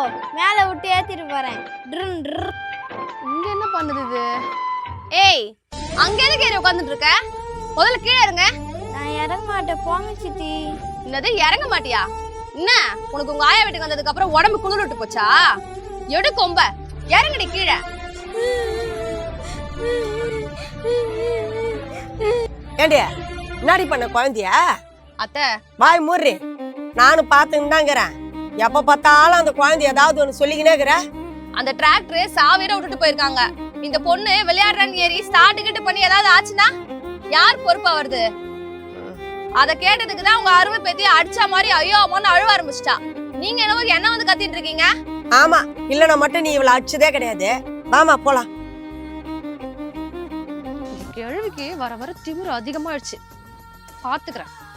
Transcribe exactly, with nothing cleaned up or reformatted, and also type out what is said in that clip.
மேல விட்டு ஏத்திட்டு போறேன். இங்க என்ன பண்ணுது இது? ஏய், அங்க எதுக்கு ஏறி உட்கார்ந்துட்டு இருக்க? முதல்ல கீழே இருங்க. நான் இறங்க மாட்டேன், போங்க சித்தி. என்னது இறங்க மாட்டியா? என்ன உனக்கு உங்க ஆயா வீட்டுக்கு வந்ததுக்கு அப்புறம் உடம்பு குளிர் விட்டு போச்சா? எடு கொம்ப, இறங்கடி கீழே. ஏண்டியா முன்னாடி பண்ண குழந்தையா? அத்தை வாய் மூர்றி. நானும் பார்த்துன்னு தாங்கிறேன். எப்ப பார்த்தாலும் அந்த குழந்தை ஏதாவது ஒண்ணு சொல்லிக்கினே இருக்கிற. அந்த டிராக்டர் சாவிர விட்டுட்டு போயிருக்காங்க. இந்த பொண்ணு விளையாடுறான்னு ஏறி ஸ்டார்ட் கிட்ட பண்ணி ஏதாவது ஆச்சுன்னா யார் பொறுப்பா வருது? அத கேட்டதுக்கு தான் உங்க அருமை பேத்தி அடிச்சா மாதிரி ஐயோ அம்மான்னு அழுவ ஆரம்பிச்சிட்டா. நீங்க என்னவோ என்ன வந்து கத்திட்டு இருக்கீங்க? ஆமா, இல்லனா மட்டும் நீ இவள அடிச்சதே கிடையாது. வாமா போலாம். கேள்விக்கு வர வர திமிரு அதிகமாயிடுச்சு. பாத்துக்கிறேன்.